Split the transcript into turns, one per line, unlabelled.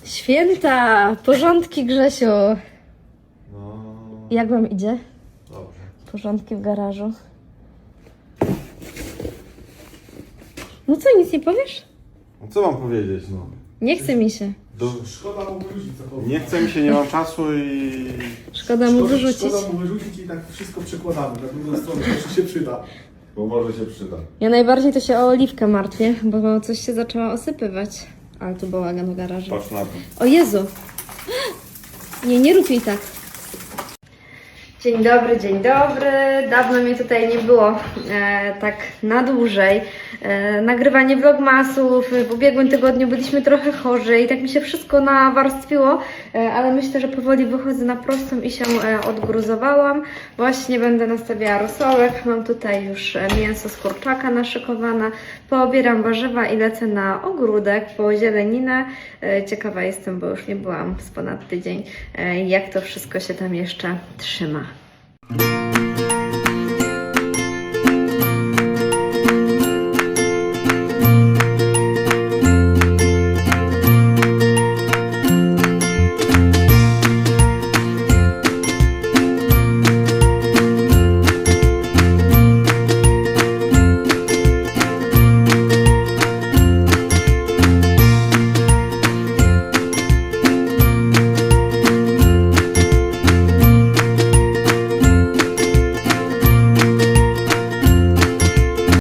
Święta, porządki, Grzesiu.
No,
Jak wam idzie?
dobrze.
Porządki w garażu. No co, nic nie powiesz?
No co mam powiedzieć, no?
Nie chce mi się.
Szkoda mu wyrzucić cokolwiek.
Nie chce mi się, nie mam czasu i...
Szkoda mu wyrzucić.
Szkoda mu wyrzucić i tak wszystko przekładamy na drugą stronę, to się przyda.
Bo może się przyda.
Ja najbardziej to się o oliwkę martwię, bo coś się zaczęła osypywać. Ale tu bałagan w garażu.
Patrz na to.
O Jezu! Nie rób jej tak. Dzień dobry, dzień dobry. Dawno mnie tutaj nie było tak na dłużej. Nagrywanie vlogmasów. W ubiegłym tygodniu byliśmy trochę chorzy i tak mi się wszystko nawarstwiło, ale myślę, że powoli wychodzę na prostą i się odgruzowałam. Właśnie będę nastawiała rosołek. Mam tutaj już mięso z kurczaka naszykowane. Poobieram warzywa i lecę na ogródek po zieleninę. Ciekawa jestem, bo już nie byłam z ponad tydzień, jak to wszystko się tam jeszcze trzyma.